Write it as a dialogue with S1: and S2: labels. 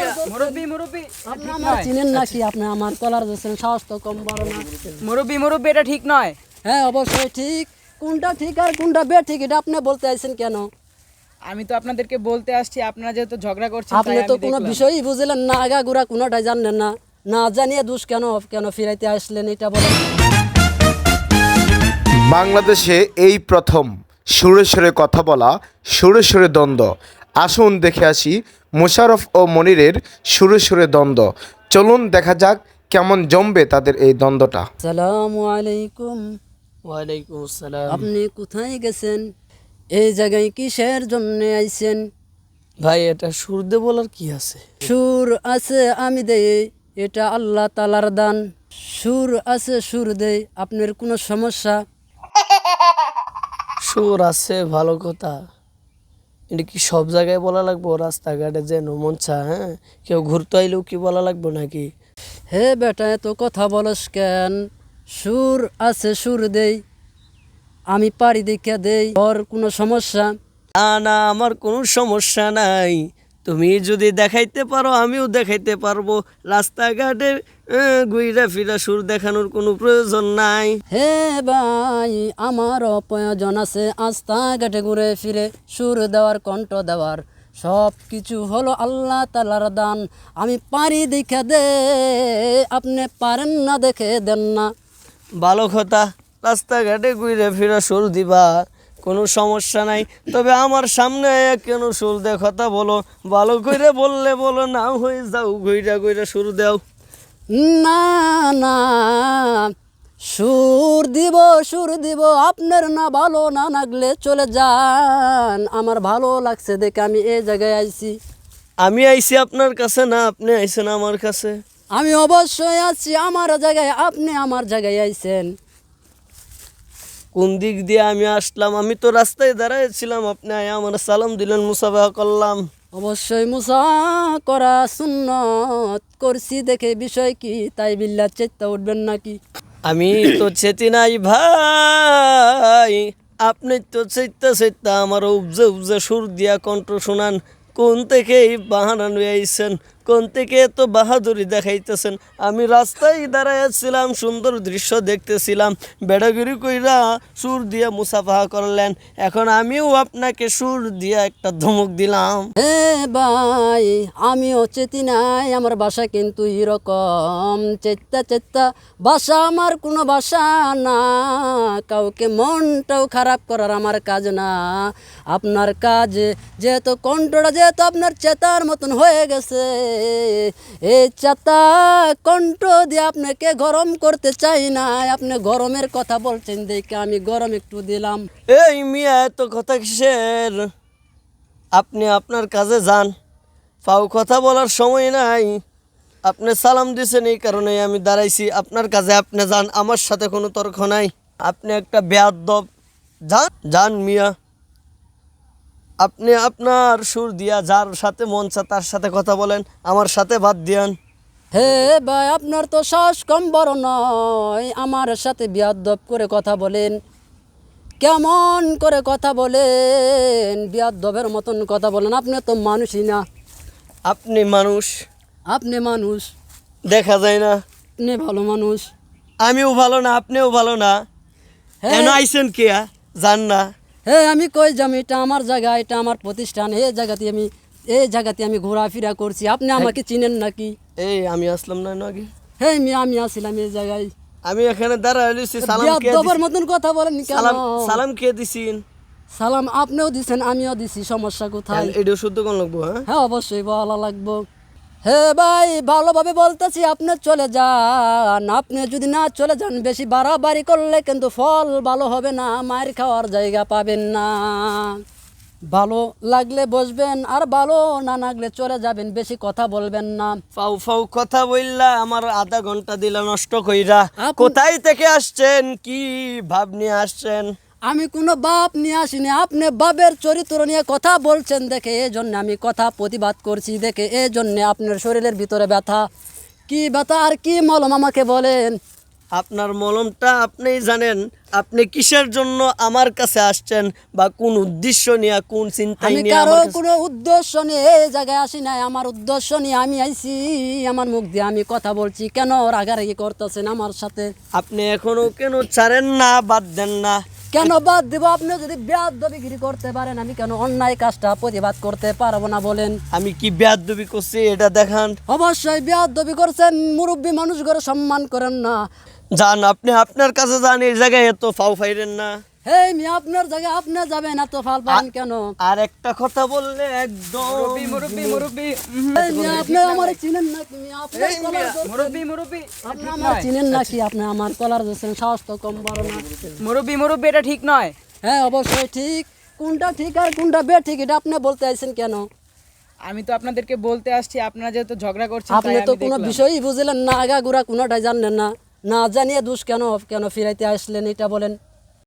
S1: মুরব্বি মুরব্বি
S2: আপনি আমার চিনেন নাকি? আপনি আমার কলার ধরছেন, সাহস তো কম বড় না।
S1: মুরব্বি মুরব্বি এটা ঠিক নয়।
S2: হ্যাঁ অবশ্যই ঠিক। কোনটা ঠিক আর কোনটা বেঠিক এটা আপনি বলতে আইছেন কেন?
S1: আমি তো আপনাদেরকে বলতে আসছি, আপনারা যেহেতু ঝগড়া করছেন
S2: আপনি
S1: তাই
S2: তো
S1: আমি
S2: কোনো
S1: দেখলাম।
S2: বিষয়ই বুঝলেন না, আগাগোড়া কোনোটাই জানলেন না। না জানিয়ে দোষ কেন কেন ফিরাইতে আসলেন এটা বলেন।
S3: বাংলাদেশে এই প্রথম সুরে সুরে কথা বলা, সুরে সুরে দ্বন্দ্ব। আসুন দেখে আসি মোশাররফ ও মনিরের সুরে সুরে দ্বন্দ্ব। চলুন দেখা যাক কেমন জমবে তাদের এই দ্বন্দ্বটা।
S2: আসসালামু আলাইকুম।
S4: ওয়ালাইকুম আসসালাম।
S2: আপনি কোথায় গেছেন? এই জায়গায় কিসের জন্য আইছেন?
S4: ভাই এটা সুর দে বলার কি আছে?
S2: সুর আছে আমি দেই, এটা আল্লাহ তালার দান। সুর আছে সুর দেই, আপনার কোনো সমস্যা?
S4: সুর আছে ভালো কথা, এটা কি সব জায়গায় বলা লাগবো? রাস্তাঘাটে যে মনসা, হ্যাঁ কেউ ঘুরতে আইলেও কি বলা লাগবো নাকি?
S2: হে বেটা এত কথা বলস কেন? সুর আছে সুর দেই, আমি পারি দেখা দেই, ওর কোনো সমস্যা?
S4: না না, আমার কোনো সমস্যা নাই। তুমি যদি দেখাইতে পারো আমিও দেখাইতে পারবো। রাস্তাঘাটে ঘুইরা ফিরা সুর দেখানোর কোনো প্রয়োজন নাই।
S2: হে ভাই আমারও প্রয়োজন আছে, আস্তা ঘাটে ঘুরে ফিরে সুর দেওয়ার, কণ্ঠ দেওয়ার। সব কিছু হলো আল্লাহ তালার দান। আমি পারি দেখা দে, আপনি পারেন না দেখে দেন না।
S4: ভালো কথা, রাস্তাঘাটে ঘুরে ফিরা সুর দিবা, কোনো সমস্যা নাই। তবে আমার সামনে আয়া কেন সুর দে কথা বলো? ভালো করে বললে বলো, না হয়ে যাও ঘুইরা ঘুইরা সুর দাও।
S2: না না, সুর দিব আপনার না ভালো না লাগলে চলে যান। আমার ভালো লাগছে দেখে আমি এই জায়গায় আইছি।
S4: আমি আইছি আপনার কাছে না, আপনি আইছেন আমার কাছে।
S2: আমি অবশ্যই আছি আমার জায়গায়, আপনি আমার জায়গায় আইছেন।
S4: কোন দিক দিয়ে আমি আসলাম? আমি তো রাস্তায় দাঁড়াইছিলাম, আপনি আয়া আমার সালাম দিলেন, মুসাফা করলাম।
S2: অবশ্যই মুসা করা সুন্নত করছি দেখে বিষয় কি, তাই বিল্লা চেতা উঠবেন নাকি?
S4: আমি তো চেতি নাই ভাই, আপনি তো চেতা আমার উপজে উপজে সুর দিয়া কণ্ঠ শোনান। কোন থেকে এই বাহানা নিয়ে আইছেন? কোন থেকে এত বাহাদুরি দেখাইতেছেন? আমি রাস্তায় দাঁড়াইছিলাম, সুন্দর দৃশ্য দেখতেছিলাম, বেড়াগিরি কইরা সুর দিয়া মুসাফা করলেন। এখন আমিও আপনাকে সুর দিয়া একটা ধমক দিলাম।
S2: হে ভাই আমিও চেতি নাই, আমার বাসা কিন্তু এরকম চেত্তা বাসা আমার কোনো বাসা না। কাউকে মনটাও খারাপ করার আমার কাজ না। আপনার কাজ যেহেতু কণ্ঠটা যেহেতু আপনার চেতার মতন হয়ে গেছে, এই চেতা কণ্ঠ দিয়ে আপনাকে গরম করতে চাই না। আপনি গরমের কথা বলছেন দেখে আমি গরম একটু দিলাম।
S4: এই মিয়া এত কথা কিসের? আপনি আপনার কাজে যান, ফাও কথা বলার সময় নাই। আপনি সালাম দিয়েছেন এই কারণে আমি দাঁড়াইছি। আপনার কাজে আপনি যান, আমার সাথে কোনো তর্ক নাই। আপনি একটা বেয়াদব, যান যান মিয়া। আপনি আপনার সুর দিয়া যার সাথে মন চায় তার সাথে কথা বলেন, আমার সাথে বাদ দিয়ান।
S2: হে ভাই আপনার তো সাহস কম বড় নয়, আমার সাথে বিয়াদব করে কথা বলেন। কেমন করে কথা বলেন? বিয়াদবের মতন কথা বলেন। আপনি তো মানুষই না।
S4: আপনি মানুষ
S2: আপনি মানুষ,
S4: দেখা যায় না।
S2: আপনি ভালো মানুষ।
S4: আমিও ভালো না, আপনিও ভালো না।
S2: হ্যাঁ।
S4: এন আইসেন কে? যান না।
S2: হে আমি কই যাম? এটা আমার জায়গা, এটা আমার প্রতিষ্ঠান। এই জায়গাতে আমি ঘোরাফেরা করছি। আপনি আমাকে চিনেন নাকি?
S4: এই আমি আসলাম না আগে।
S2: হে আমি আসছিলাম এই জায়গায়।
S4: আমি এখানে দাঁড়াইছি, সালাম কে
S2: বিয়াদবের
S4: দিছি?
S2: মতন কথা বলেন কেন?
S4: সালাম কে দিছিন?
S2: সালাম আপনিও দিছেন আমিও দিছি, সমস্যা কোথায়?
S4: এটাও শুদ্ধ কোন লাগবো? হ্যাঁ
S2: হ্যাঁ অবশ্যই ভালো লাগবো। হে ভাই ভালোভাবে বলতেছি, আপনি চলে যান। আপনি যদি না চলে যান, বেশি বাড়াবাড়ি করলে কিন্তু ফল ভালো হবে না, মায়ের খাওয়ার জায়গা পাবেন না। ভালো লাগলে বসবেন, আর ভালো না লাগলে চলে যাবেন, বেশি কথা বলবেন না।
S4: ফাউ ফাউ কথা বললা আমার আধা ঘন্টা দিলা নষ্ট কইরা।
S2: আপনি-
S4: কোথায় থেকে আসছেন? কি ভাব নিয়ে আসছেন?
S2: আমি কোনো বাপ নিয়ে আসিনি, আপনি বাপের চরিত্র নিয়ে কথা বলছেন দেখে এই জন্য আমি কথা প্রতিবাদ করছি দেখে এই জন্যে আপনার শরীরের ভিতরে ব্যথা। কি ব্যথা আর কি মলম আমাকে বলেন?
S4: আপনার মলমটা আপনিই জানেন। আপনি কিসের জন্য আমার কাছে আসছেন বা কোন উদ্দেশ্য নিয়ে, কোন চিন্তায়
S2: আমি
S4: নিয়ে
S2: কারো
S4: আমার কাছে?
S2: কোনো উদ্দেশ্য নিয়ে এই জায়গায় আসি নাই। আমার উদ্দেশ্য নিয়ে আমি আইছি, আমার মুখ দিয়ে আমি কথা বলছি। কেন রাগারাগি করতেছেন আমার সাথে?
S4: আপনি এখনো কেন ছাড়েন না, বাদ দেন না?
S2: কেন বাদ দেবো? আপনি যদি বেয়াদবিগিরি করতে পারেন, আমি কেন অন্যায় কাজটা প্রতিবাদ করতে পারবো না বলেন?
S4: আমি কি বেয়াদবি করছি এটা দেখান।
S2: অবশ্যই বেয়াদবি করছেন। মুরব্বী মানুষ করে সম্মান করেন না।
S4: যান, আপনি আপনার কাছে যান, এই জায়গায় এত ফাও ফাইরেন না।
S2: হেই মি, আপনার জায়গায় আপনি যাবেন, এত ফাল পান কেন?
S4: আর একটা কথা বললে একদম
S1: মুরব্বি মুরব্বি মুরব্বি
S2: এই মি, আপনি আমার চিনেন না? তুমি আপনার কলার ধরছেন।
S1: মুরব্বি মুরব্বি
S2: আপনি আমার চিনেন নাকি? আপনি আমার কলার ধরছেন, সাহস তো কম বড় না।
S1: মুরব্বি মুরব্বি এটা ঠিক নয়।
S2: হ্যাঁ অবশ্যই ঠিক। কোনটা ঠিক আর কোনটা বেঠিক এটা আপনি বলতে আইছেন কেন?
S1: আমি তো আপনাদেরকে বলতে আসছি, আপনারা যেহেতু ঝগড়া করছেন
S2: আপনি
S1: তাই
S2: তো
S1: আমি
S2: কোনো
S1: দেখলাম।
S2: বিষয়ই বুঝলেন না, আগাগুড়া কোনোটাই জানলেন না। না জানিয়ে দোষ কেন কেন ফিরাইতে আসলেন এটা বলেন।